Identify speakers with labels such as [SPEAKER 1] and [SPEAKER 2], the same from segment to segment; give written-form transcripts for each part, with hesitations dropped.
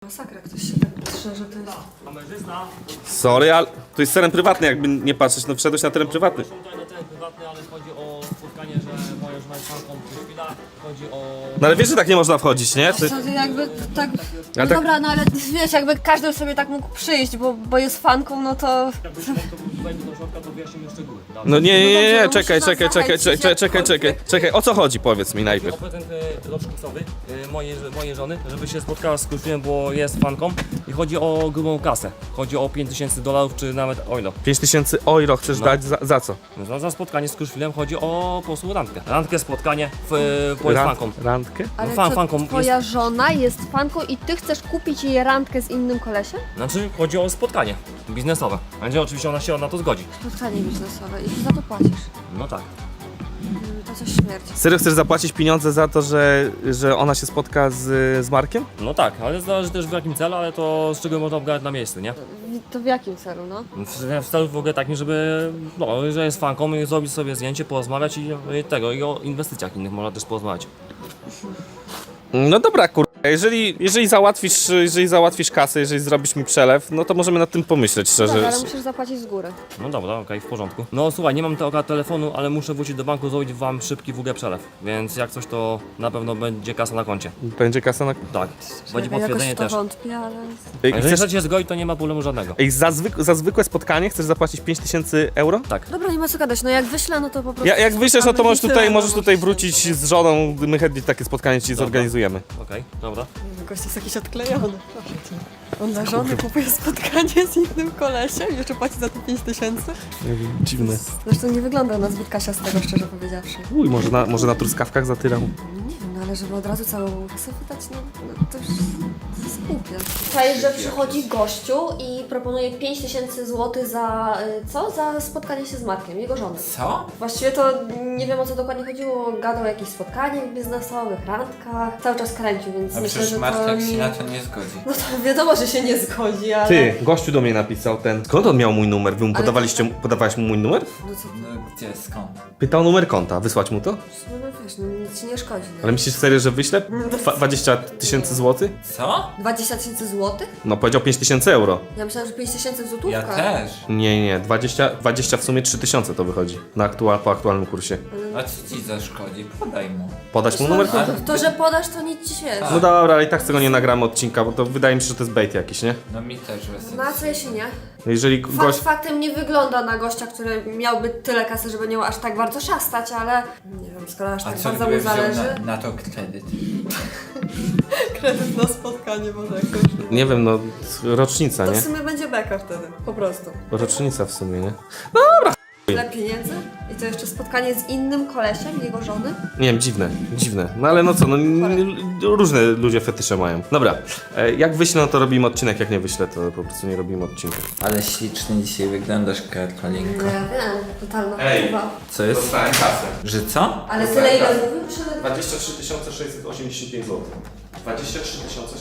[SPEAKER 1] Masakra, ktoś się tak patrzył, że to jest...
[SPEAKER 2] Kamerzysta.
[SPEAKER 3] Sorry, ale to jest teren prywatny, jakby nie patrzeć, no wszedłeś na teren prywatny.
[SPEAKER 2] Tutaj na teren prywatny, ale chodzi o spotkanie, że moja żona jest fanką chwila. Chodzi o...
[SPEAKER 3] No ale wiesz, że tak nie można wchodzić, nie? Ty...
[SPEAKER 1] To jakby tak... No
[SPEAKER 3] Ale tak-
[SPEAKER 1] dobra, no ale wiesz, jakby każdy sobie tak mógł przyjść, bo jest fanką, no to...
[SPEAKER 2] Jakbyś mógł, to wejdzie do środka, to wyjaśnimy szczegóły.
[SPEAKER 3] No nie,
[SPEAKER 1] No
[SPEAKER 3] czekaj,
[SPEAKER 1] dobrze,
[SPEAKER 3] czekaj,
[SPEAKER 1] no
[SPEAKER 3] czekaj,
[SPEAKER 1] musisz nas
[SPEAKER 3] czekaj, o co chodzi, powiedz mi najpierw.
[SPEAKER 2] O prezent rocznicowy mojej żony, żeby się spotkała z Kruszwilem, bo jest fanką i chodzi o grubą kasę. Chodzi o $5000 czy nawet euro.
[SPEAKER 3] 5000 euro chcesz dać za co?
[SPEAKER 2] Za spotkanie z Kruszwilem chodzi o po prostu randkę. Randkę, spotkanie bo jest fanką.
[SPEAKER 3] Randkę?
[SPEAKER 1] Ale
[SPEAKER 2] fanką
[SPEAKER 1] twoja żona jest fanką i ty chcesz kupić jej randkę z innym kolesiem?
[SPEAKER 2] Znaczy chodzi o spotkanie biznesowe. Będzie oczywiście ona się na to zgodzi.
[SPEAKER 1] Spotkanie biznesowe i ty za to płacisz.
[SPEAKER 2] No tak.
[SPEAKER 1] To coś śmierci.
[SPEAKER 3] Serio chcesz zapłacić pieniądze za to, że ona się spotka z Markiem?
[SPEAKER 2] No tak, ale zależy też w jakim celu, ale to z czego można obgadać na miejscu, nie?
[SPEAKER 1] To w jakim celu, no?
[SPEAKER 2] W celu w ogóle takim, żeby, no, że jest fanką i zrobić sobie zdjęcie, porozmawiać i o inwestycjach innych można też porozmawiać.
[SPEAKER 3] No dobra, jeżeli załatwisz kasę, jeżeli zrobisz mi przelew, no to możemy nad tym pomyśleć szczerze.
[SPEAKER 1] Tak, ale musisz zapłacić z góry.
[SPEAKER 2] No dobra, okej, w porządku. No słuchaj, nie mam tego telefonu, ale muszę wrócić do banku, zrobić wam szybki przelew. Więc jak coś, to na pewno będzie kasa na koncie.
[SPEAKER 3] Będzie kasa na...
[SPEAKER 2] Tak, będzie
[SPEAKER 1] Ja
[SPEAKER 2] potwierdzenie
[SPEAKER 1] jakoś w to
[SPEAKER 2] też.
[SPEAKER 1] wątpię, ale...
[SPEAKER 3] Ej,
[SPEAKER 2] A jeżeli chcecie zgodzić, to nie ma problemu żadnego.
[SPEAKER 3] za zwykłe spotkanie chcesz zapłacić 5000 euro?
[SPEAKER 2] Tak.
[SPEAKER 1] Dobra, nie ma co gadać, no jak wyślę, no to po prostu...
[SPEAKER 3] Jak wyślesz, no to możesz
[SPEAKER 1] tyle,
[SPEAKER 3] tutaj,
[SPEAKER 1] no,
[SPEAKER 3] możesz tutaj
[SPEAKER 1] możesz
[SPEAKER 3] wrócić z żoną, my chętnie takie spotkanie ci zorganizujemy.
[SPEAKER 2] Okej, dobra.
[SPEAKER 1] Gość jest jakiś odklejony. On dla żony kupuje spotkanie z innym kolesiem i jeszcze płaci za to 5000?
[SPEAKER 3] Dziwne.
[SPEAKER 1] Zresztą nie wygląda na zbyt kasiastego, szczerze powiedziawszy.
[SPEAKER 3] Uj, może na truskawkach zatyrał.
[SPEAKER 1] Nie wiem, no ale żeby od razu całą kasę wydać, no to już jest głupie. Słuchaj, że przychodzi gościu i proponuje 5000 zł za, co? Za spotkanie się z Markiem, jego żoną.
[SPEAKER 4] Co?
[SPEAKER 1] Właściwie to nie wiem, o co dokładnie chodziło, gadał o jakichś spotkaniach biznesowych, randkach, cały czas kręcił, więc
[SPEAKER 4] A
[SPEAKER 1] myślę,
[SPEAKER 4] przecież
[SPEAKER 1] że
[SPEAKER 4] Martek
[SPEAKER 1] to
[SPEAKER 4] się
[SPEAKER 1] nie...
[SPEAKER 4] na to nie zgodzi.
[SPEAKER 1] No to wiadomo, że się nie zgodzi, ale...
[SPEAKER 3] Ty, gościu do mnie napisał ten. Skąd on miał mój numer? Wy mu
[SPEAKER 1] Ale
[SPEAKER 3] podawałeś mu mój numer?
[SPEAKER 1] No co,
[SPEAKER 4] No gdzie, skąd?
[SPEAKER 3] Pytał o numer konta, wysłać mu to?
[SPEAKER 1] no wiesz, no nic ci nie szkodzi. No.
[SPEAKER 3] Ale myślisz serio, że wyślę 20 000 złotych?
[SPEAKER 4] Co?
[SPEAKER 1] 20 000 złotych?
[SPEAKER 3] No powiedział 5000 euro.
[SPEAKER 1] Ja myślałam, że 5000 złotówka.
[SPEAKER 4] Ja też.
[SPEAKER 3] Nie, 20 w sumie 3000 to wychodzi. Po aktualnym kursie.
[SPEAKER 4] A co ci zaszkodzi? Podaj mu.
[SPEAKER 3] Podać mu numer konta?
[SPEAKER 1] To, że podasz, to nic ci świeci.
[SPEAKER 3] No dobra, ale i tak z tego nie nagramy odcinka, bo to wydaje mi się, że to jest bait jakiś, nie?
[SPEAKER 4] No mi też
[SPEAKER 1] No a co jeśli nie?
[SPEAKER 3] Jeżeli gość...
[SPEAKER 1] Faktem nie wygląda na gościa, który miałby tyle kasy, żeby nią aż tak bardzo szastać, ale nie wiem, skoro aż
[SPEAKER 4] A
[SPEAKER 1] tak
[SPEAKER 4] co
[SPEAKER 1] bardzo
[SPEAKER 4] gdyby
[SPEAKER 1] mu
[SPEAKER 4] wziął
[SPEAKER 1] zależy.
[SPEAKER 4] na to kredyt?
[SPEAKER 1] Kredyt na spotkanie może jakoś.
[SPEAKER 3] Nie wiem, no rocznica,
[SPEAKER 1] To w
[SPEAKER 3] nie?
[SPEAKER 1] sumie będzie beka wtedy, po prostu.
[SPEAKER 3] Rocznica w sumie, nie?
[SPEAKER 1] Tyle pieniędzy? I to jeszcze spotkanie z innym kolesiem, jego żony?
[SPEAKER 3] Nie wiem, dziwne. No ale no co, no różne ludzie fetysze mają. Dobra, jak wyślę, no to robimy odcinek, jak nie wyślę, to po prostu nie robimy odcinka.
[SPEAKER 4] Ale ślicznie dzisiaj wyglądasz, Karolinko.
[SPEAKER 1] Ja wiem, totalna
[SPEAKER 3] Ej.
[SPEAKER 1] chyba.
[SPEAKER 4] Co jest?
[SPEAKER 3] Dostałem kasę.
[SPEAKER 4] Że co?
[SPEAKER 1] Ale tyle ile mówił, że...
[SPEAKER 3] 23 685 zł. 23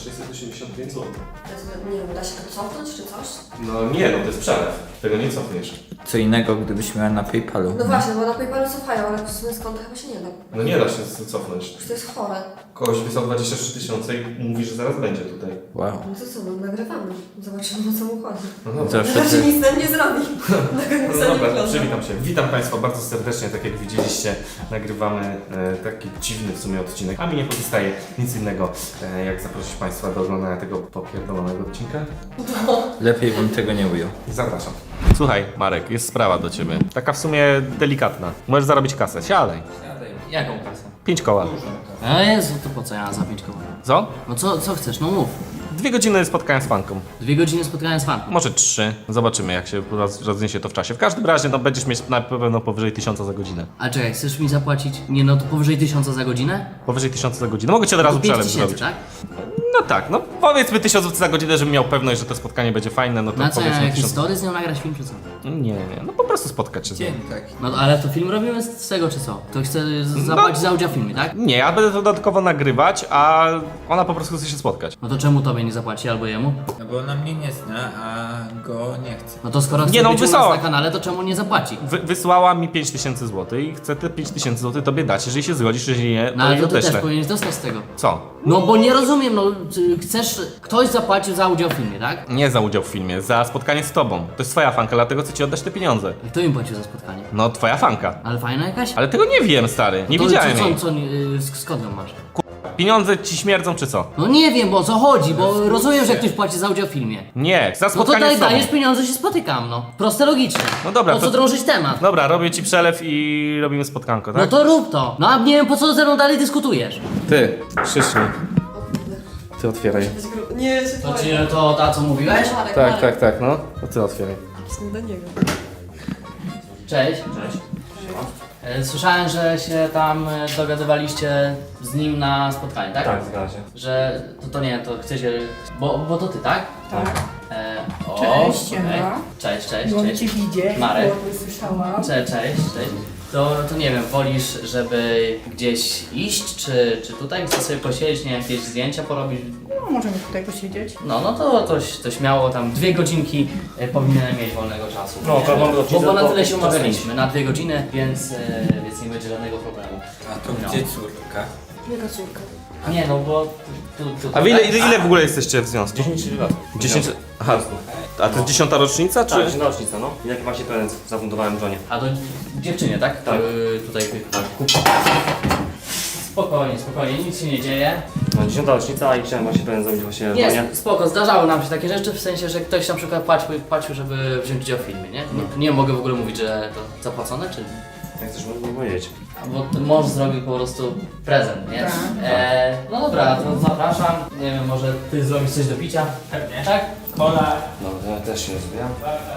[SPEAKER 3] 685 zł.
[SPEAKER 1] Nie wiem, da się to cofnąć czy coś?
[SPEAKER 3] No nie, no to jest przelew. Tego nie cofniesz.
[SPEAKER 4] Co innego, gdybyś miała na PayPalu.
[SPEAKER 1] No właśnie, bo na PayPalu cofają, ale w sumie z konta chyba się nie da.
[SPEAKER 3] No nie da się cofnąć.
[SPEAKER 1] Przecież to jest chore.
[SPEAKER 3] Kogoś wysłał 23 000 i mówi, że zaraz będzie tutaj.
[SPEAKER 4] Wow.
[SPEAKER 1] No to co, no nagrywamy. Zobaczymy, o co mu chodzi.
[SPEAKER 3] No dobra.
[SPEAKER 4] Zawsze
[SPEAKER 1] Znaczy
[SPEAKER 4] ty...
[SPEAKER 1] nic nam nie zrobi.
[SPEAKER 3] No dobra, przywitam się. Witam Państwa bardzo serdecznie, tak jak widzieliście, nagrywamy taki dziwny w sumie odcinek, a mi nie pozostaje nic innego, jak zaprosić Państwa do oglądania tego popierdolonego odcinka.
[SPEAKER 4] Lepiej bym tego nie ujął.
[SPEAKER 3] Zapraszam. Słuchaj, Marek, jest sprawa do Ciebie. Taka w sumie delikatna. Możesz zarobić kasę, siadaj.
[SPEAKER 5] Jaką kasę?
[SPEAKER 3] 5 koła.
[SPEAKER 5] A Jezu, to po co ja za 5 koła?
[SPEAKER 3] Co?
[SPEAKER 5] No co chcesz, no mów.
[SPEAKER 3] 2 godziny spotkania z fanką.
[SPEAKER 5] 2 godziny spotkania z fanką.
[SPEAKER 3] Może 3. Zobaczymy, jak się rozniesie to w czasie. W każdym razie, no będziesz mieć na pewno powyżej 1000 za godzinę.
[SPEAKER 5] A czekaj, chcesz mi zapłacić? Nie no, to powyżej 1000 za godzinę?
[SPEAKER 3] Powyżej 1000 za godzinę. Mogę Cię od razu
[SPEAKER 5] To 5
[SPEAKER 3] przelew
[SPEAKER 5] tysięcy,
[SPEAKER 3] zrobić.
[SPEAKER 5] tak?
[SPEAKER 3] No tak, no powiedzmy 1000 zł za godzinę, żebym miał pewność, że to spotkanie będzie fajne, no to
[SPEAKER 5] Na co, ja
[SPEAKER 3] powiedzmy
[SPEAKER 5] jakiś
[SPEAKER 3] 1000.
[SPEAKER 5] story z nią nagrać film czy co?
[SPEAKER 3] Nie, no po prostu spotkać się z nią.
[SPEAKER 4] Dzień taki.
[SPEAKER 5] No ale to film robimy z tego czy co? To chcę zapłacić za udział w filmie, tak?
[SPEAKER 3] Nie, ja będę to dodatkowo nagrywać, a ona po prostu chce się spotkać.
[SPEAKER 5] No to czemu tobie nie zapłaci albo jemu?
[SPEAKER 4] No bo ona mnie nie zna, a go nie chce.
[SPEAKER 5] No to skoro chce
[SPEAKER 3] Nie no,
[SPEAKER 5] być u nas
[SPEAKER 3] wysłała.
[SPEAKER 5] na kanale, to czemu nie zapłaci?
[SPEAKER 3] Wysłała mi 5000 zł i chcę te 5000 zł tobie dać, jeżeli się zgodzisz, jeżeli nie,
[SPEAKER 5] No
[SPEAKER 3] to
[SPEAKER 5] ale
[SPEAKER 3] jej
[SPEAKER 5] to ty też
[SPEAKER 3] odeślę.
[SPEAKER 5] powinieneś dostać z tego.
[SPEAKER 3] Co?
[SPEAKER 5] No bo nie rozumiem, no chcesz, ktoś zapłacił za udział w filmie, tak?
[SPEAKER 3] Nie za udział w filmie, za spotkanie z tobą. To jest twoja fanka, dlatego chcę ci oddać te pieniądze.
[SPEAKER 5] Kto im płacił za spotkanie?
[SPEAKER 3] No, twoja fanka.
[SPEAKER 5] Ale fajna jakaś?
[SPEAKER 3] Ale tego nie wiem, stary. Nie
[SPEAKER 5] To
[SPEAKER 3] widziałem jej.
[SPEAKER 5] skąd ją masz?
[SPEAKER 3] Pieniądze ci śmierdzą, czy co?
[SPEAKER 5] No nie wiem, bo o co chodzi, bo rozumiem, że ktoś płaci za udział w filmie.
[SPEAKER 3] Nie, za
[SPEAKER 5] No to
[SPEAKER 3] spotkanie z tobą.
[SPEAKER 5] dajesz pieniądze, się spotykam, no. Proste, logiczne.
[SPEAKER 3] No dobra,
[SPEAKER 5] Po co
[SPEAKER 3] to-
[SPEAKER 5] drążyć temat?
[SPEAKER 3] Dobra, robię ci przelew i robimy spotkanko, tak?
[SPEAKER 5] No to rób to. No a nie wiem, po co ze mną dalej dyskutujesz.
[SPEAKER 3] Ty, szysznij. Ty otwieraj.
[SPEAKER 1] Nie, się
[SPEAKER 5] To ci to ta, co mówiłeś?
[SPEAKER 3] Tak, no. To ty otwieraj.
[SPEAKER 1] Są do niego.
[SPEAKER 5] Cześć.
[SPEAKER 2] Cześć.
[SPEAKER 5] Słyszałem, że się tam dogadywaliście z nim na spotkanie, tak?
[SPEAKER 2] Tak, zgadza się.
[SPEAKER 5] Że to nie, to chcecie. Bo to ty, tak?
[SPEAKER 6] Tak.
[SPEAKER 5] Cześć,
[SPEAKER 6] Cześć, Emma.
[SPEAKER 5] Cześć,
[SPEAKER 6] Miło
[SPEAKER 5] cześć.
[SPEAKER 6] Cię widzieć,
[SPEAKER 5] Marek.
[SPEAKER 6] miło Cię słyszałam.
[SPEAKER 5] Cześć. To nie wiem, wolisz, żeby gdzieś iść, czy tutaj chcesz sobie posiedzieć, nie wiem, jakieś zdjęcia porobić?
[SPEAKER 6] No, możemy tutaj posiedzieć.
[SPEAKER 5] No to śmiało tam 2 godzinki powinienem mieć wolnego czasu.
[SPEAKER 2] No, to mam rocznicę,
[SPEAKER 5] Bo na
[SPEAKER 2] to
[SPEAKER 5] tyle się
[SPEAKER 2] czas
[SPEAKER 5] umawialiśmy, na 2 godziny, więc nie będzie żadnego problemu.
[SPEAKER 4] A to
[SPEAKER 5] No.
[SPEAKER 4] gdzie córka?
[SPEAKER 1] Jego córka.
[SPEAKER 5] Nie no, bo tu
[SPEAKER 3] A wy ile w ogóle jesteście w związku?
[SPEAKER 2] 10 lat.
[SPEAKER 3] 10... Aha, a to jest 10. rocznica, czy?
[SPEAKER 2] Tak, 10 rocznica, no. I jaki właśnie prezent zafundowałem żonie.
[SPEAKER 5] A to dziewczynie, tak?
[SPEAKER 2] Tak.
[SPEAKER 5] Tutaj kup. Spokojnie, nic się nie dzieje.
[SPEAKER 2] No, 10 rocznica i chciałem właśnie prezent zrobić właśnie żonie.
[SPEAKER 5] Nie, spoko, zdarzały nam się takie rzeczy, w sensie, że ktoś na przykład płacił, żeby wziąć udział w filmie, nie? Nie mogę w ogóle mówić, że to zapłacone, czy...
[SPEAKER 2] Jak chcesz mi powiedzieć?
[SPEAKER 5] Bo mąż zrobił po prostu prezent, nie?
[SPEAKER 6] Tak.
[SPEAKER 5] No dobra, to zapraszam. Nie wiem, może ty zrobisz coś do picia? Pewnie. Tak? Kola.
[SPEAKER 2] Dobra, ja też się rozwijam.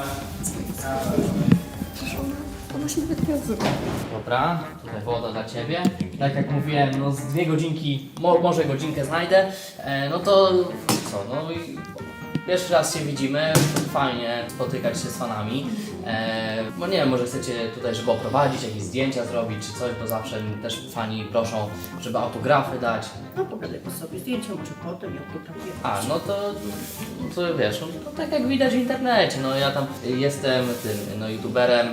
[SPEAKER 1] Ona się nawet nie odzywa.
[SPEAKER 5] Dobra, tutaj woda dla ciebie. Tak jak mówiłem, no z 2 godzinki, może godzinkę znajdę. No to co, no i pierwszy raz się widzimy, fajnie spotykać się z fanami. Bo nie wiem, może chcecie tutaj, żeby oprowadzić, jakieś zdjęcia zrobić czy coś, bo zawsze też fani proszą, żeby autografy dać.
[SPEAKER 6] No pogadaj po sobie zdjęcia, może potem, jak to tam jest.
[SPEAKER 5] A, no to wiesz, no, to tak jak widać w internecie, no ja tam jestem tym, no youtuberem,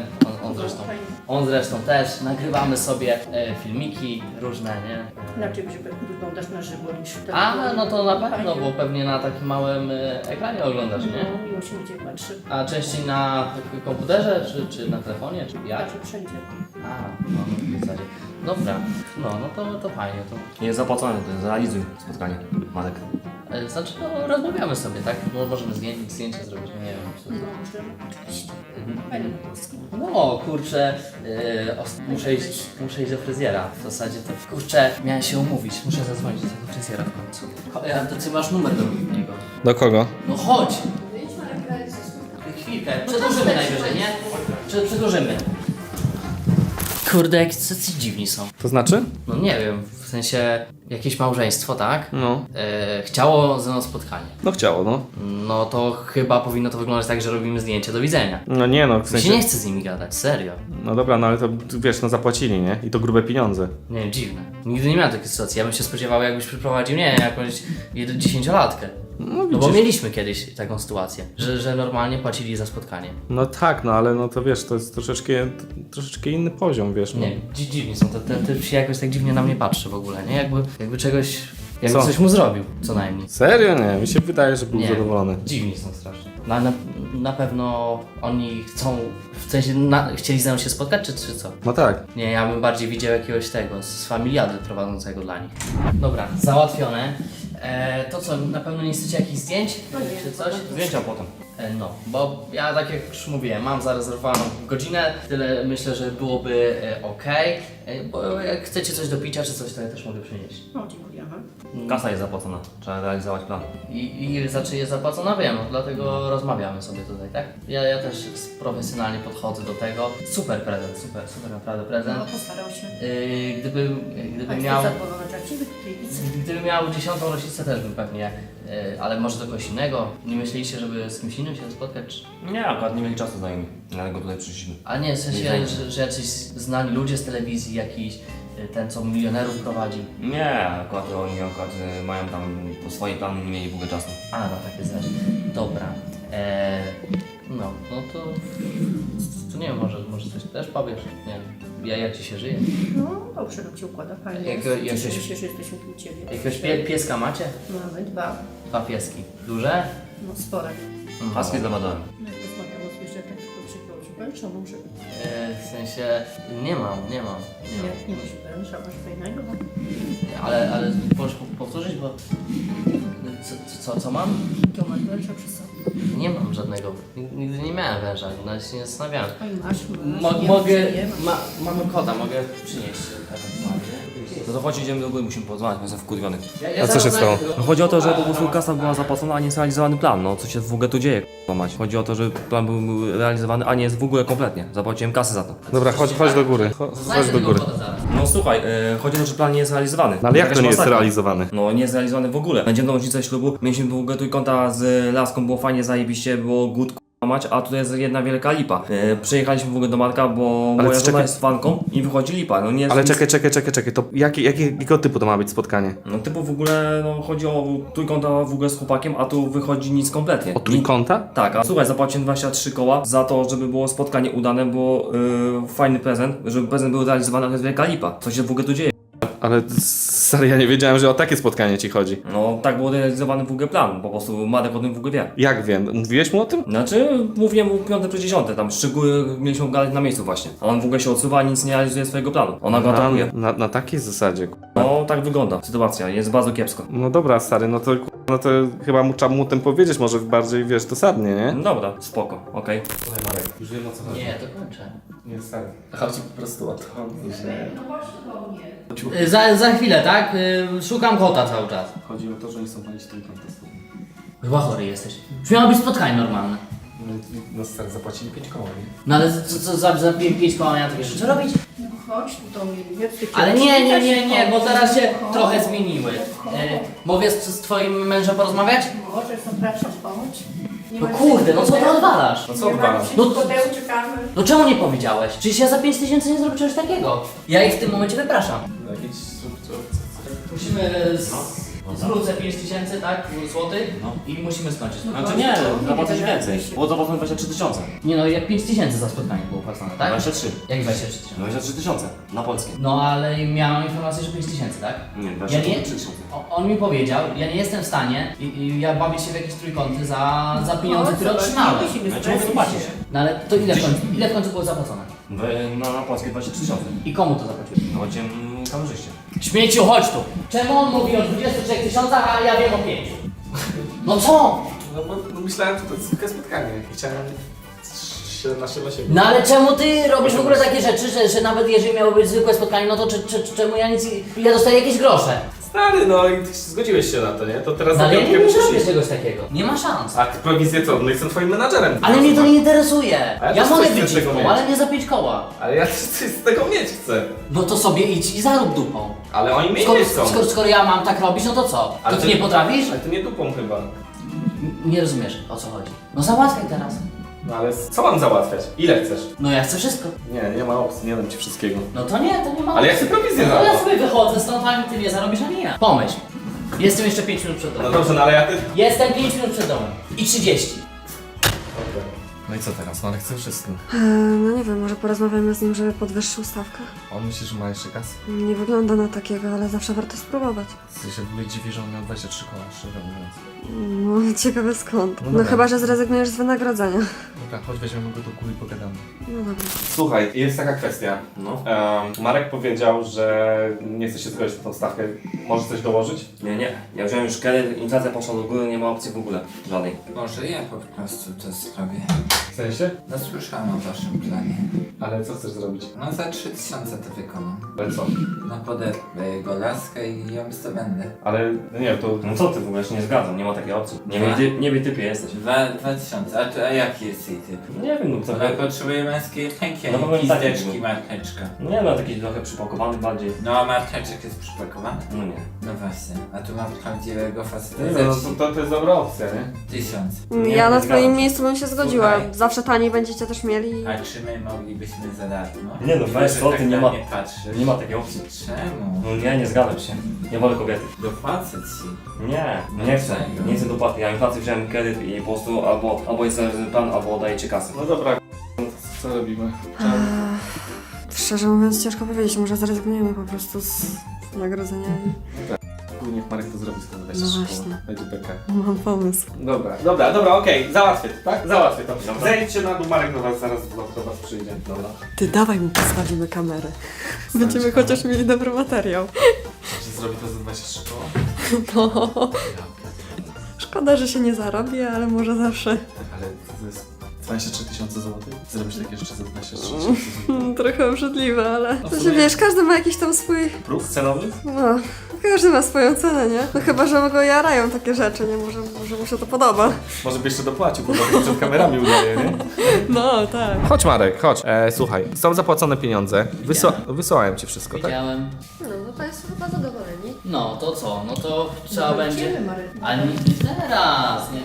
[SPEAKER 5] on zresztą też, nagrywamy sobie filmiki różne, nie?
[SPEAKER 6] Inaczej wyglądasz na żywo niż w
[SPEAKER 5] A, no to na pewno, bo pewnie na takim małym ekranie oglądasz, nie?
[SPEAKER 6] No, miło się będzie patrzy.
[SPEAKER 5] A częściej na komputerze, czy na telefonie, czy jak?
[SPEAKER 6] Patrzę wszędzie.
[SPEAKER 5] A, no w zasadzie. Dobra, no to fajnie, to...
[SPEAKER 2] Nie zapłacone, to zrealizuj spotkanie, Marek.
[SPEAKER 5] Znaczy, no rozmawiamy sobie, tak? No, możemy zdjęcia zrobić, no nie wiem. Co to...
[SPEAKER 6] Możemy, oczywiście. Fajnie po polsku.
[SPEAKER 5] No kurczę, muszę iść do fryzjera. W zasadzie to kurczę, miałem się umówić. Muszę zadzwonić do tego fryzjera w końcu. A to ty masz numer do niego.
[SPEAKER 3] Do kogo?
[SPEAKER 5] No chodź! Chwilkę, przedłużymy najwyżej, nie? Przedłużymy. Kurde, jak ci dziwni są.
[SPEAKER 3] To znaczy?
[SPEAKER 5] No nie wiem, w sensie jakieś małżeństwo, tak?
[SPEAKER 3] No.
[SPEAKER 5] Chciało ze mną spotkanie.
[SPEAKER 3] No chciało, no.
[SPEAKER 5] No to chyba powinno to wyglądać tak, że robimy zdjęcie, do widzenia.
[SPEAKER 3] No nie no, w
[SPEAKER 5] Mi się
[SPEAKER 3] sensie...
[SPEAKER 5] nie chce z nimi gadać, serio.
[SPEAKER 3] No dobra, no ale to wiesz, no zapłacili, nie? I to grube pieniądze.
[SPEAKER 5] Nie wiem, dziwne. Nigdy nie miałem takiej sytuacji. Ja bym się spodziewał, jakbyś przyprowadził, nie wiem, jakąś 10-latkę.
[SPEAKER 3] No
[SPEAKER 5] No bo
[SPEAKER 3] widzisz.
[SPEAKER 5] mieliśmy kiedyś taką sytuację, że normalnie płacili za spotkanie.
[SPEAKER 3] No tak, no ale no to wiesz, to jest troszeczkę inny poziom, wiesz. No.
[SPEAKER 5] Nie, dziwni są. Ten typ się jakoś tak dziwnie na mnie patrzy w ogóle, nie? Jakby czegoś... Jakby
[SPEAKER 3] Co?
[SPEAKER 5] coś mu zrobił, co najmniej.
[SPEAKER 3] Serio? Nie, mi się wydaje, że był
[SPEAKER 5] Nie.
[SPEAKER 3] zadowolony.
[SPEAKER 5] Dziwni są strasznie. Na pewno oni chcą... W sensie chcieli ze mną się spotkać, czy co?
[SPEAKER 3] No tak.
[SPEAKER 5] Nie, ja bym bardziej widział jakiegoś tego, z familiady prowadzącego dla nich. Dobra, załatwione. To co, na pewno nie chcecie jakichś zdjęć? Czy coś?
[SPEAKER 2] Zdjęcia potem.
[SPEAKER 5] No, bo ja tak jak już mówiłem, mam zarezerwowaną godzinę, tyle myślę, że byłoby ok. Bo jak chcecie coś do picia czy coś, to ja też mogę przynieść.
[SPEAKER 6] No, dziękujemy.
[SPEAKER 2] Kasa jest zapłacona, trzeba realizować plan.
[SPEAKER 5] I ile za czy jest zapłacona, wiem, dlatego rozmawiamy sobie tutaj, tak? Ja też profesjonalnie podchodzę do tego. Super prezent, super naprawdę prezent.
[SPEAKER 6] No, postarał się.
[SPEAKER 5] Gdybym miał...
[SPEAKER 6] Gdybym
[SPEAKER 5] miał 10. rocznicę też bym pewnie, ale może do kogoś innego. Nie myśleliście, żeby z kimś innym się spotkać? Czy...
[SPEAKER 2] Nie, akurat nie mieli czasu znajomi, dlatego tutaj przyszliśmy.
[SPEAKER 5] A nie, w sensie, że jacyś znani ludzie z telewizji, jakiś ten, co milionerów prowadzi.
[SPEAKER 2] Nie, akurat oni mają tam po swoim planu, nie mieli w ogóle czasu.
[SPEAKER 5] A, no takie rzeczy. Dobra. No to nie wiem, może coś też powiesz? Nie wiem, jak ci się żyje?
[SPEAKER 6] No, dobrze nam się układa, fajnie.
[SPEAKER 5] Jak-
[SPEAKER 6] Cieszymy
[SPEAKER 5] jakieś-
[SPEAKER 6] się, że jesteśmy tu u Ciebie.
[SPEAKER 5] Jakiegoś pieska macie?
[SPEAKER 6] Mamy 2,
[SPEAKER 5] 2 pieski. Duże?
[SPEAKER 6] no spore.
[SPEAKER 2] A z kim zamadałem?
[SPEAKER 6] No jak rozmawiało zwierzęta, to przykro, że węża może być.
[SPEAKER 5] W sensie, nie mam.
[SPEAKER 6] Nie masz węża, masz fajnego.
[SPEAKER 5] Ale możesz powtórzyć, bo... Co mam?
[SPEAKER 6] To masz węża przy sobie.
[SPEAKER 5] Nie mam żadnego. Nigdy nie miałem węża, nawet się nie zastanawiałem.
[SPEAKER 6] A i masz,
[SPEAKER 5] Mogę...
[SPEAKER 6] nie masz.
[SPEAKER 5] Mamy kota, mogę przynieść.
[SPEAKER 2] No to chodź, idziemy do góry, musimy porozmawiać, jestem wkurwiony.
[SPEAKER 5] Ja
[SPEAKER 3] A co się stało?
[SPEAKER 2] No chodzi o to, że po prostu kasa była zapłacona, a nie zrealizowany plan. No co się w ogóle tu dzieje, k***a mać. Chodzi o to, że plan był realizowany, a nie jest w ogóle kompletnie. Zapłaciłem kasę za to.
[SPEAKER 3] Dobra, chodź do góry. Chodź do góry.
[SPEAKER 2] No słuchaj, chodzi o to, że plan nie jest realizowany.
[SPEAKER 3] No ale jak to
[SPEAKER 2] Jakaś
[SPEAKER 3] nie jest
[SPEAKER 2] masakra.
[SPEAKER 3] realizowany?
[SPEAKER 2] No nie jest realizowany w ogóle. Będziemy do rocznicę ślubu, mieliśmy w ogóle trójkąta z laską, było fajnie, zajebiście, było good k***a mać, a tutaj jest jedna wielka lipa. Przyjechaliśmy w ogóle do Marka, bo moja żona
[SPEAKER 3] czekaj.
[SPEAKER 2] jest fanką i wychodzi lipa. No nie
[SPEAKER 3] Ale
[SPEAKER 2] jest
[SPEAKER 3] czekaj, to jakiego typu to ma być spotkanie?
[SPEAKER 2] No typu w ogóle, no chodzi o trójkąta w ogóle z chłopakiem, a tu wychodzi nic kompletnie.
[SPEAKER 3] O trójkąta?
[SPEAKER 2] Tak, a słuchaj, zapłaciłem 23 koła za to, żeby było spotkanie udane, było fajny prezent, żeby prezent był realizowany, a to jest wielka lipa. Co się w ogóle tu dzieje?
[SPEAKER 3] Ale stary, ja nie wiedziałem, że o takie spotkanie ci chodzi.
[SPEAKER 2] No tak był realizowany w ogóle plan, po prostu Marek o tym w ogóle wie.
[SPEAKER 3] Jak wiem? Mówiłeś mu o tym?
[SPEAKER 2] Znaczy, mówiłem mu 5 przez 10, tam szczegóły mieliśmy gadać na miejscu właśnie. A on w ogóle się odsuwa, nic nie realizuje swojego planu. Ona go atakuje.
[SPEAKER 3] Na takiej zasadzie.
[SPEAKER 2] No tak wygląda sytuacja, jest bardzo kiepsko.
[SPEAKER 3] No dobra, stary, no to chyba trzeba mu o tym powiedzieć, może bardziej, wiesz, dosadnie, nie?
[SPEAKER 2] No dobra, spoko, okej.
[SPEAKER 3] Słuchaj Marek, już wiem o co chodzi.
[SPEAKER 5] Nie, to kończę.
[SPEAKER 3] Nie, stary. Chodzi po prostu o to, że...
[SPEAKER 5] Za chwilę, tak? Szukam kota cały czas.
[SPEAKER 3] Chodzi o to, że nie chcą palić trójkąta.
[SPEAKER 5] Chyba chory jesteś. Już miało być spotkanie normalne.
[SPEAKER 3] No stary, zapłacili 5 koła, nie?
[SPEAKER 5] No ale co za 5 koła miałem takie rzeczy robić?
[SPEAKER 6] No chodź tu do mnie, nie chcę cię
[SPEAKER 5] Ale nie, bo teraz się
[SPEAKER 6] Spokojnie.
[SPEAKER 5] trochę zmieniły. Mogę z twoim mężem porozmawiać?
[SPEAKER 6] Możesz, zapraszam, pomóc. Nie
[SPEAKER 5] No
[SPEAKER 6] ma
[SPEAKER 5] kurde, no co ty
[SPEAKER 6] pudeł.
[SPEAKER 5] odwalasz?
[SPEAKER 3] No co
[SPEAKER 6] Nie ma
[SPEAKER 3] odwalasz?
[SPEAKER 6] dzisiaj
[SPEAKER 5] No-
[SPEAKER 6] pudeł, czekamy.
[SPEAKER 5] No czemu nie powiedziałeś? Przecież ja za 5000 nie zrobię czegoś takiego. Ja ich w tym momencie wypraszam.
[SPEAKER 3] Jakieś...
[SPEAKER 5] Musimy zwrócę 5000, tak? Złotych i musimy skończyć.
[SPEAKER 2] Znaczy nie, zapłacę więcej. Było zapłacone 23 tysiące.
[SPEAKER 5] Nie no, jak 5000 za spotkanie było płacone, tak?
[SPEAKER 2] 23.
[SPEAKER 5] Jak 23 tysiące?
[SPEAKER 2] 23 tysiące na polskie.
[SPEAKER 5] No ale miałam informację, że 5000, tak?
[SPEAKER 2] Nie,
[SPEAKER 5] Ja
[SPEAKER 2] 23
[SPEAKER 5] nie,
[SPEAKER 2] tysiące.
[SPEAKER 5] on mi powiedział, ja nie jestem w stanie i ja bawię się w jakieś trójkąty za pieniądze, które otrzymałem.
[SPEAKER 2] No czemu wy płacisz?
[SPEAKER 5] No ale to ile w końcu było zapłacone?
[SPEAKER 2] Na polskie 23 tysiące.
[SPEAKER 5] I komu to zapłaciłeś?
[SPEAKER 2] Płaciłem kamerzyście.
[SPEAKER 5] Śmieciu, chodź tu! Czemu on mówi o 23 tysiącach, a ja wiem o 5? No co?
[SPEAKER 3] No bo myślałem, że to jest tylko spotkanie. Chciałem się na siebie.
[SPEAKER 5] No ale czemu ty robisz w ogóle takie rzeczy, że nawet jeżeli miało być zwykłe spotkanie, no to czemu ja nic... Ja dostaję jakieś grosze.
[SPEAKER 3] Stary, no i ty zgodziłeś się na to, nie? To teraz
[SPEAKER 5] No ale ja
[SPEAKER 3] piątkę
[SPEAKER 5] nie
[SPEAKER 3] musisz
[SPEAKER 5] zrobię
[SPEAKER 3] iść.
[SPEAKER 5] czegoś takiego. Nie ma szans.
[SPEAKER 3] A prowizję co? No jestem twoim menadżerem.
[SPEAKER 5] Ale mnie to nie interesuje.
[SPEAKER 3] A ja
[SPEAKER 5] Ja
[SPEAKER 3] też
[SPEAKER 5] mogę
[SPEAKER 3] coś chcę
[SPEAKER 5] być
[SPEAKER 3] z tego
[SPEAKER 5] dziwką,
[SPEAKER 3] mieć.
[SPEAKER 5] ale nie za 5 koła.
[SPEAKER 3] Ale ja coś z tego mieć chcę.
[SPEAKER 5] No to sobie idź i zarób dupą.
[SPEAKER 3] Ale oni mnie nie chcą.
[SPEAKER 5] Skoro ja mam tak robić, no to co?
[SPEAKER 3] Ale
[SPEAKER 5] To ty
[SPEAKER 3] ty-
[SPEAKER 5] nie potrafisz?
[SPEAKER 3] Ale ty nie dupą chyba.
[SPEAKER 5] Nie rozumiesz, o co chodzi. No załatwiaj teraz.
[SPEAKER 3] No ale co mam załatwiać? Ile chcesz?
[SPEAKER 5] No ja chcę wszystko.
[SPEAKER 3] Nie ma opcji, nie dam ci wszystkiego.
[SPEAKER 5] No to nie ma.
[SPEAKER 3] Ale ja chcę prowizję
[SPEAKER 5] No
[SPEAKER 3] za
[SPEAKER 5] ja
[SPEAKER 3] to.
[SPEAKER 5] sobie wychodzę stąd, a ty nie zarobisz, a nie ja. Pomyśl. Jestem jeszcze 5 minut przed
[SPEAKER 3] No
[SPEAKER 5] domem.
[SPEAKER 3] dobrze, no ale ja ty...
[SPEAKER 5] Jestem 5 minut przed domem. I 30.
[SPEAKER 3] No i co teraz? No ale chcę wszystko.
[SPEAKER 1] No nie wiem, może porozmawiamy z nim, żeby podwyższył stawkę.
[SPEAKER 3] On myśli, że ma jeszcze kasę?
[SPEAKER 1] Nie wygląda na takiego, ale zawsze warto spróbować.
[SPEAKER 3] Ja się w ogóle dziwi, że on miał 23 koła, szczerze mówiąc.
[SPEAKER 1] No, ciekawe skąd.
[SPEAKER 3] No
[SPEAKER 1] No,
[SPEAKER 3] dobra.
[SPEAKER 1] chyba, że zrezygnujesz z wynagrodzenia.
[SPEAKER 3] Dobra, chodź weźmiemy go do góry i pogadamy.
[SPEAKER 1] No dobra.
[SPEAKER 3] Słuchaj, jest taka kwestia.
[SPEAKER 2] No.
[SPEAKER 3] Marek powiedział, że nie chce się zgodzić na tą stawkę. Może coś dołożyć?
[SPEAKER 2] Nie. Ja wziąłem już kredyt, inflacja poszła do góry, nie ma opcji w ogóle. Żadnej.
[SPEAKER 4] Może ja po prostu to zrobię.
[SPEAKER 3] W sensie?
[SPEAKER 4] No słyszałem o waszym planie.
[SPEAKER 3] Ale co chcesz zrobić?
[SPEAKER 4] No za 3000 to wykonam.
[SPEAKER 3] Ale co?
[SPEAKER 4] No poderwę go laskę i ją zdobędę.
[SPEAKER 3] Ale no nie, to...
[SPEAKER 2] No co ty w ogóle się nie zgadzam, nie ma takiej opcji. Nie wie typie jesteś.
[SPEAKER 4] 2000, a jaki jest jej typ?
[SPEAKER 2] No nie wiem, no co.
[SPEAKER 4] Trochę potrzebuję męskiej ręki,
[SPEAKER 2] No
[SPEAKER 4] a
[SPEAKER 2] bo
[SPEAKER 4] nie
[SPEAKER 2] nie taki
[SPEAKER 4] pizdeczki
[SPEAKER 2] był.
[SPEAKER 4] marcheczka.
[SPEAKER 2] No nie no, taki trochę przypakowany bardziej.
[SPEAKER 4] No a marcheczek jest przypakowany?
[SPEAKER 2] No nie.
[SPEAKER 4] No właśnie, a tu mam prawdziwego faceta
[SPEAKER 3] No,
[SPEAKER 4] ze wsi.
[SPEAKER 3] to jest dobra opcja, nie?
[SPEAKER 4] 1000.
[SPEAKER 2] Nie,
[SPEAKER 1] Ja
[SPEAKER 2] nie
[SPEAKER 1] na
[SPEAKER 2] zgadzam
[SPEAKER 1] twoim
[SPEAKER 2] się.
[SPEAKER 1] miejscu bym się zgodziła.
[SPEAKER 4] Słuchaj.
[SPEAKER 1] Zawsze taniej będziecie też mieli.
[SPEAKER 4] A czy my moglibyśmy za darmo?
[SPEAKER 2] Nie no, weź,
[SPEAKER 4] Że
[SPEAKER 2] co
[SPEAKER 4] tak
[SPEAKER 2] ty, nie
[SPEAKER 4] na
[SPEAKER 2] ma-
[SPEAKER 4] mnie patrzysz.
[SPEAKER 2] Nie ma takiej opcji.
[SPEAKER 4] Czemu?
[SPEAKER 2] No nie zgadzam się. Nie wolę kobiety.
[SPEAKER 4] Dopłacę ci.
[SPEAKER 2] Nie chcę. Nie chcę dopłaty. Ja inflację wziąłem kredyt i po prostu albo jest plan, albo dajecie kasę.
[SPEAKER 3] No dobra, Co robimy?
[SPEAKER 1] Szczerze mówiąc, ciężko powiedzieć, może zrezygnujemy po prostu z nagrodzenia
[SPEAKER 3] Niech Marek to zrobi z tym
[SPEAKER 1] No właśnie.
[SPEAKER 3] Będzie beka.
[SPEAKER 1] Mam pomysł.
[SPEAKER 3] Dobra, okej, załatwię to, tak? Załatwię to. Zejdźcie na dół, Marek do was zaraz do was przyjdzie. Dobra.
[SPEAKER 1] Ty dawaj mi postawimy kamerę. Będziemy chociaż mieli dobry materiał.
[SPEAKER 3] Czy zrobi to za 23 koła?
[SPEAKER 1] No. Szkoda, że się nie zarobi, ale może zawsze.
[SPEAKER 3] Ale to jest 23 tysiące złotych? Zrobisz takie rzeczy za 23 tysiące złotych?
[SPEAKER 1] Trochę obrzydliwe, ale to się wiesz, każdy ma jakiś tam swój.
[SPEAKER 3] Próg cenowy?
[SPEAKER 1] No, każdy ma swoją cenę, nie? No chyba, że go jarają takie rzeczy, nie? Może mu się to podoba.
[SPEAKER 3] Może by jeszcze dopłacił, bo to przed kamerami udaje, nie?
[SPEAKER 1] No, tak.
[SPEAKER 3] Chodź Marek, chodź. Słuchaj, są zapłacone pieniądze. Wysłałem ci wszystko, tak?
[SPEAKER 5] Widziałem.
[SPEAKER 1] No Państwo chyba zadowoleni.
[SPEAKER 5] No to co? No to trzeba
[SPEAKER 6] No,
[SPEAKER 5] będzie...
[SPEAKER 6] idziemy, Marek.
[SPEAKER 5] Ale nie teraz, nie?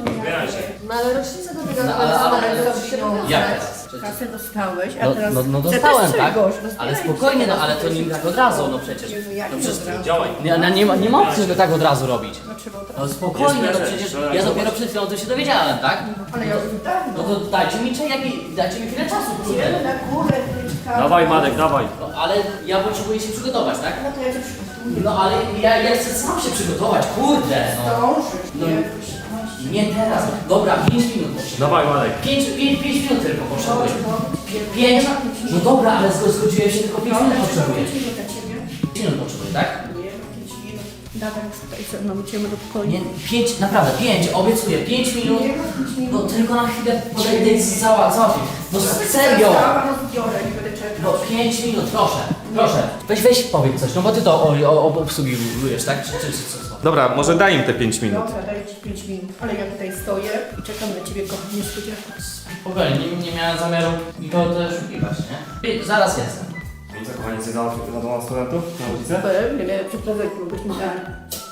[SPEAKER 1] No ale rocznica do tego
[SPEAKER 5] No, ale jak
[SPEAKER 1] Jak?
[SPEAKER 5] teraz? Przecież...
[SPEAKER 6] Kasę dostałeś, a
[SPEAKER 5] No,
[SPEAKER 6] teraz...
[SPEAKER 5] no
[SPEAKER 6] chcę
[SPEAKER 5] dostałem,
[SPEAKER 6] też
[SPEAKER 5] tak?
[SPEAKER 6] czegoś,
[SPEAKER 5] Ale
[SPEAKER 6] rozbieraj
[SPEAKER 5] spokojnie,
[SPEAKER 6] się.
[SPEAKER 5] no ale to nie tak od razu, no przecież.
[SPEAKER 6] Jezu, jak
[SPEAKER 5] No
[SPEAKER 6] nie
[SPEAKER 5] przecież
[SPEAKER 6] od razu?
[SPEAKER 2] Działaj.
[SPEAKER 5] nie ma opcji, żeby tak od razu robić.
[SPEAKER 6] No trzeba od
[SPEAKER 5] No
[SPEAKER 6] razu.
[SPEAKER 5] spokojnie,
[SPEAKER 2] Jest
[SPEAKER 5] no
[SPEAKER 2] prezes,
[SPEAKER 5] przecież
[SPEAKER 2] tak,
[SPEAKER 5] ja
[SPEAKER 2] zobacz.
[SPEAKER 5] dopiero przed chwilą to się dowiedziałem, tak?
[SPEAKER 6] Ale ja już dawno.
[SPEAKER 5] No to dajcie mi dajcie mi chwilę czasu,
[SPEAKER 6] Idziemy
[SPEAKER 5] kurde.
[SPEAKER 6] na górę, Kryczka.
[SPEAKER 2] Dawaj Marek, dawaj.
[SPEAKER 5] No, ale ja potrzebuję się przygotować, tak?
[SPEAKER 6] No to ja cię przygotuję.
[SPEAKER 5] No ale ja chcę sam się przygotować, kurde, no.
[SPEAKER 6] Dążysz,
[SPEAKER 5] No.
[SPEAKER 6] nie?
[SPEAKER 5] Nie teraz, dobra, 5 minut potrzebuję.
[SPEAKER 2] Dawaj Marek.
[SPEAKER 5] 5 minut tylko potrzebuję. 5? No dobra, ale zgodziłem się, tylko 5 minut potrzebuję.
[SPEAKER 6] 5 minut dla ciebie.
[SPEAKER 5] 5 minut potrzebuję, tak?
[SPEAKER 6] Nie, 5 minut. Dawaj już tutaj ze mną, idziemy do pokoju.
[SPEAKER 5] Nie, 5, naprawdę, 5, obiecuję, 5 minut.
[SPEAKER 6] Nie ma 5 minut.
[SPEAKER 5] No tylko na chwilę podejdę i załatwię. No serio!
[SPEAKER 6] Została, rozbiorę, nie będę czekał.
[SPEAKER 5] No 5 minut, proszę, proszę. Weź powiedz coś, no bo ty to obsługujesz, tak? Czy co?
[SPEAKER 3] Dobra, może daj im te 5 minut.
[SPEAKER 6] Dobra, daję ci 5 minut. Ale ja tutaj stoję i czekam na ciebie, kochanie studiaku.
[SPEAKER 5] Spokojnie, nie miałem zamiaru nikogo też oszukiwać, nie? I zaraz jestem.
[SPEAKER 2] I co, kochani, jesteś zadowolony z studentów na ulicę?
[SPEAKER 6] Pewnie, lepszy prezent byśmy dali.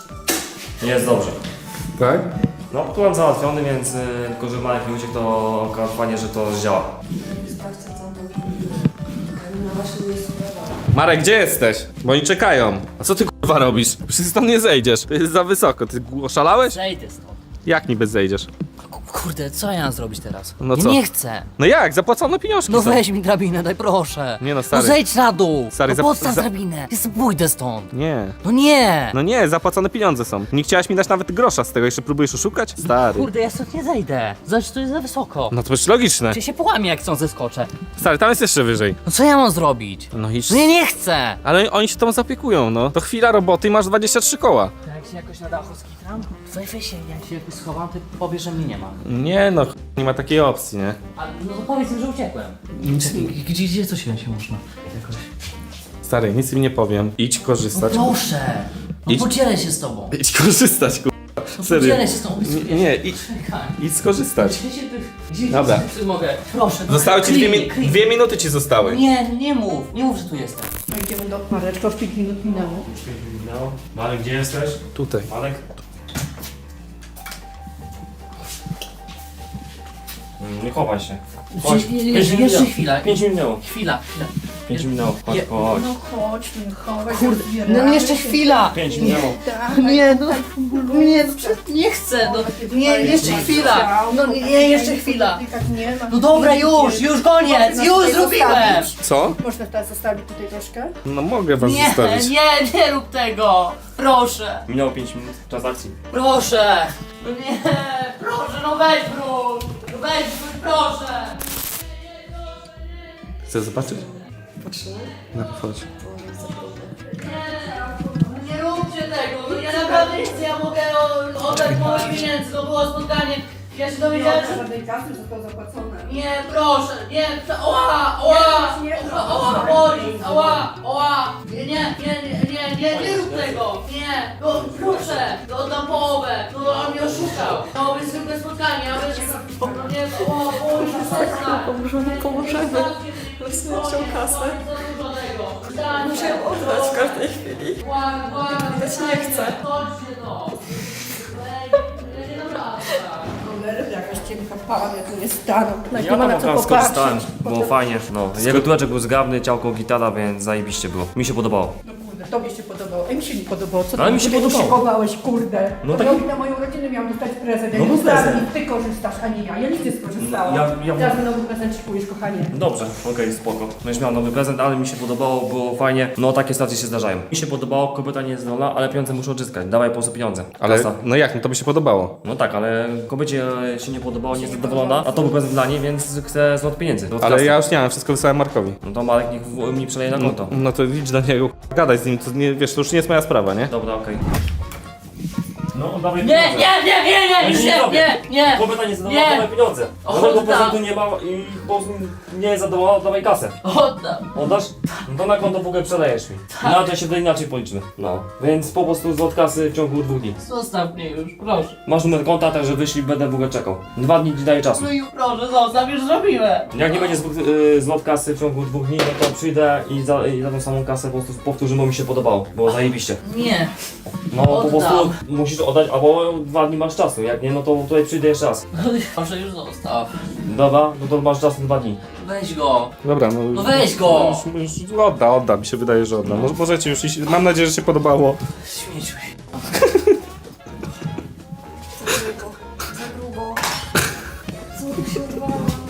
[SPEAKER 2] Jest dobrze.
[SPEAKER 3] Tak?
[SPEAKER 2] No, plan załatwiony, więc tylko że Marek nie uciekł, to akurat fajnie, że to działa.
[SPEAKER 1] Sprawdźcie co tam. Na waszym miejscu.
[SPEAKER 3] Marek, gdzie jesteś? Bo oni czekają. A co ty kurwa robisz? Przecież stąd nie zejdziesz. To jest za wysoko. Ty oszalałeś?
[SPEAKER 5] Zejdę stąd.
[SPEAKER 3] Jak niby zejdziesz?
[SPEAKER 5] Kurde, co ja mam zrobić teraz?
[SPEAKER 3] No
[SPEAKER 5] Ja
[SPEAKER 3] co?
[SPEAKER 5] nie chcę.
[SPEAKER 3] No jak? Zapłacone pieniążki
[SPEAKER 5] No
[SPEAKER 3] są.
[SPEAKER 5] weź mi drabinę, daj proszę.
[SPEAKER 3] Nie no,
[SPEAKER 5] No
[SPEAKER 3] stary.
[SPEAKER 5] zejdź na dół.
[SPEAKER 3] Stary,
[SPEAKER 5] No podstaw drabinę. Jest pójdę stąd.
[SPEAKER 3] Nie.
[SPEAKER 5] No nie.
[SPEAKER 3] No nie, zapłacone pieniądze są. Nie chciałaś mi dać nawet grosza z tego, jeszcze próbujesz oszukać? Stary.
[SPEAKER 5] Kurde, ja stąd nie zejdę. Zobacz, to jest za wysoko.
[SPEAKER 3] No to już logiczne.
[SPEAKER 5] Czy się połamie, jak stąd zeskoczę?
[SPEAKER 3] Stary, tam jest jeszcze wyżej.
[SPEAKER 5] No co ja mam zrobić?
[SPEAKER 3] No idź.
[SPEAKER 5] No ja nie chcę.
[SPEAKER 3] Ale oni się tą zaopiekują, no. To chwila roboty i masz 23 koła.
[SPEAKER 5] To jak się jakoś na dachu skitram? Weź się, jak się jakoś schowam, ty powiesz, że mnie nie ma.
[SPEAKER 3] Nie no, nie ma takiej opcji, nie?
[SPEAKER 5] A no to powiedz mi, że uciekłem. Gdzie coś się można jakoś?
[SPEAKER 3] Stary, nic im nie powiem. Idź
[SPEAKER 5] No
[SPEAKER 3] korzystać.
[SPEAKER 5] proszę. No
[SPEAKER 3] Idź.
[SPEAKER 5] podzielę się z tobą.
[SPEAKER 3] Idź korzystać, kurwa.
[SPEAKER 5] No
[SPEAKER 3] Serio.
[SPEAKER 5] podzielę się z tobą.
[SPEAKER 3] Nie, idź,
[SPEAKER 5] Czekaj.
[SPEAKER 3] idź skorzystać.
[SPEAKER 5] Gdzie
[SPEAKER 3] Dobra.
[SPEAKER 5] mogę? Proszę. no,
[SPEAKER 3] Zostały ci
[SPEAKER 5] kryj,
[SPEAKER 3] 2 minuty ci zostały.
[SPEAKER 5] Nie mów, że tu jestem.
[SPEAKER 6] No idziemy do Mareczko, 5 minut minęło.
[SPEAKER 2] No. Marek, gdzie jesteś?
[SPEAKER 3] Tutaj.
[SPEAKER 2] Marek? Nie chowaj się. Chodź.
[SPEAKER 5] Jeszcze chwila.
[SPEAKER 2] 5 minut minęło.
[SPEAKER 5] Chwila.
[SPEAKER 2] 5 minut. Chodź, chodź.
[SPEAKER 6] No chodź, no chodź.
[SPEAKER 5] Kurde,
[SPEAKER 6] rozbieramy
[SPEAKER 5] no jeszcze
[SPEAKER 6] się.
[SPEAKER 5] chwila.
[SPEAKER 2] 5 minęło.
[SPEAKER 6] Tak,
[SPEAKER 5] Nie, no,
[SPEAKER 6] nie,
[SPEAKER 5] nie chcę, no, nie, jeszcze chwila, no nie, jeszcze chwila.
[SPEAKER 6] Nie ma.
[SPEAKER 5] No dobra, już koniec,
[SPEAKER 6] Można
[SPEAKER 5] już
[SPEAKER 6] tutaj
[SPEAKER 5] zrobiłem.
[SPEAKER 6] zostawić.
[SPEAKER 3] Co?
[SPEAKER 6] Można teraz zostawić tutaj troszkę?
[SPEAKER 3] No mogę was
[SPEAKER 5] Nie,
[SPEAKER 3] zostawić.
[SPEAKER 5] nie rób tego, proszę,
[SPEAKER 2] Minęło 5 minut czas akcji.
[SPEAKER 5] proszę, no nie, proszę, no weź wróć, proszę.
[SPEAKER 3] Chcesz zobaczyć? No chodź.
[SPEAKER 5] Nie róbcie tego, no ja naprawdę nie chcę, ja mogę oddać moje pieniędzy, to było spotkanie, ja się dowiedziałem, że...
[SPEAKER 6] Żadnej kasy zostało zapłacone.
[SPEAKER 5] Nie, proszę, nie, ała, boli, ała, nie rób tego, nie, no proszę, to oddam połowę, no on mnie oszukał, to będzie zwykłe spotkanie, ja będę, no nie, boli, przestań.
[SPEAKER 1] Pomożemy. Losujemy kasę. Muszę ją oddać w każdej chwili. Widać nie chcę.
[SPEAKER 5] Chodźcie to. Nie dam rady.
[SPEAKER 6] Cholery, jakaś cienka para, jak tu nie staną.
[SPEAKER 2] Ja
[SPEAKER 6] Nie
[SPEAKER 2] tam
[SPEAKER 6] ma na co
[SPEAKER 2] akurat skorzystałem,
[SPEAKER 6] popatrzeć.
[SPEAKER 2] było fajnie. No, jego tułeczek był zgrabny, ciałko gitara, więc zajebiście było. Mi się podobało.
[SPEAKER 6] No kurde, tobie się podobało, a mi się nie podobało. Co
[SPEAKER 2] Ale
[SPEAKER 6] ty
[SPEAKER 2] mi się
[SPEAKER 6] sobie
[SPEAKER 2] podobało.
[SPEAKER 6] szykowałeś, kurde?
[SPEAKER 2] No
[SPEAKER 6] No
[SPEAKER 2] tak-
[SPEAKER 6] tak... na moją rodzinę miałam dostać prezent,
[SPEAKER 2] No
[SPEAKER 6] ja
[SPEAKER 2] bo
[SPEAKER 6] nie
[SPEAKER 2] prezent.
[SPEAKER 6] ty korzystasz, a nie ja. Ja nic nie skorzystałam.
[SPEAKER 2] Ja-
[SPEAKER 6] Teraz nowy prezent szykujesz, kochanie.
[SPEAKER 2] Dobrze, okej, spoko. Będziesz miał nowy prezent, ale mi się podobało, było fajnie. No takie sytuacje się zdarzają. Mi się podobało, kobieta nie jest zdolna, ale pieniądze muszę odzyskać. Dawaj po prostu pieniądze.
[SPEAKER 3] Ale
[SPEAKER 2] Kasa.
[SPEAKER 3] no jak, no to by się podobało.
[SPEAKER 2] No tak, ale kobiecie się nie podobało, nie jest zadowolona, a to był prezent dla niej, więc chcę zwrot pieniędzy. Zwrot
[SPEAKER 3] Ale
[SPEAKER 2] kasy.
[SPEAKER 3] ja już nie mam, wszystko wysłałem Markowi.
[SPEAKER 2] No to Marek niech mi przeleje na konto.
[SPEAKER 3] No to idź do niego, gadaj z nim, to nie, wiesz, to już nie jest moja sprawa, nie?
[SPEAKER 2] Dobra, okej. No, dawaj
[SPEAKER 5] Nie,
[SPEAKER 2] pieniądze.
[SPEAKER 5] już nie.
[SPEAKER 2] Kobieta nie jest zadowolona,
[SPEAKER 5] Nie.
[SPEAKER 2] dawaj pieniądze.
[SPEAKER 5] Oddam.
[SPEAKER 2] Żadnego prezentu nie ma i po prostu nie jest zadowolona, dawaj kasę.
[SPEAKER 5] Oddam.
[SPEAKER 2] Oddasz? No to na konto w ogóle przelejesz mi. No to się wtedy inaczej policzymy. No. Więc po prostu zwrot kasy w ciągu 2 dni.
[SPEAKER 5] Zostaw mnie już, proszę.
[SPEAKER 2] Masz numer konta, także wyślij, będę w ogóle czekał. 2 dni ci daję czasu.
[SPEAKER 5] No i proszę, zostaw, już zrobiłem.
[SPEAKER 2] Jak nie będzie zwrot kasy w ciągu 2 dni, no to przyjdę i za tą samą kasę po prostu powtórzymy, bo mi się podobało. Było zajebiście.
[SPEAKER 5] Nie.
[SPEAKER 2] No po
[SPEAKER 5] Oddam.
[SPEAKER 2] prostu musisz oddać, albo 2 dni masz czasu. Jak nie, no to tutaj przyjdę jeszcze raz.
[SPEAKER 5] Proszę, już zostaw.
[SPEAKER 2] Dobra, no to masz czas na 2 dni.
[SPEAKER 5] Weź go.
[SPEAKER 3] Dobra, no...
[SPEAKER 5] No weź go.
[SPEAKER 3] Już odda, mi się wydaje, że odda. Możecie już iść, mam nadzieję, że się podobało.
[SPEAKER 5] Śmieciu.
[SPEAKER 1] Za grubo. Co tu się odwala?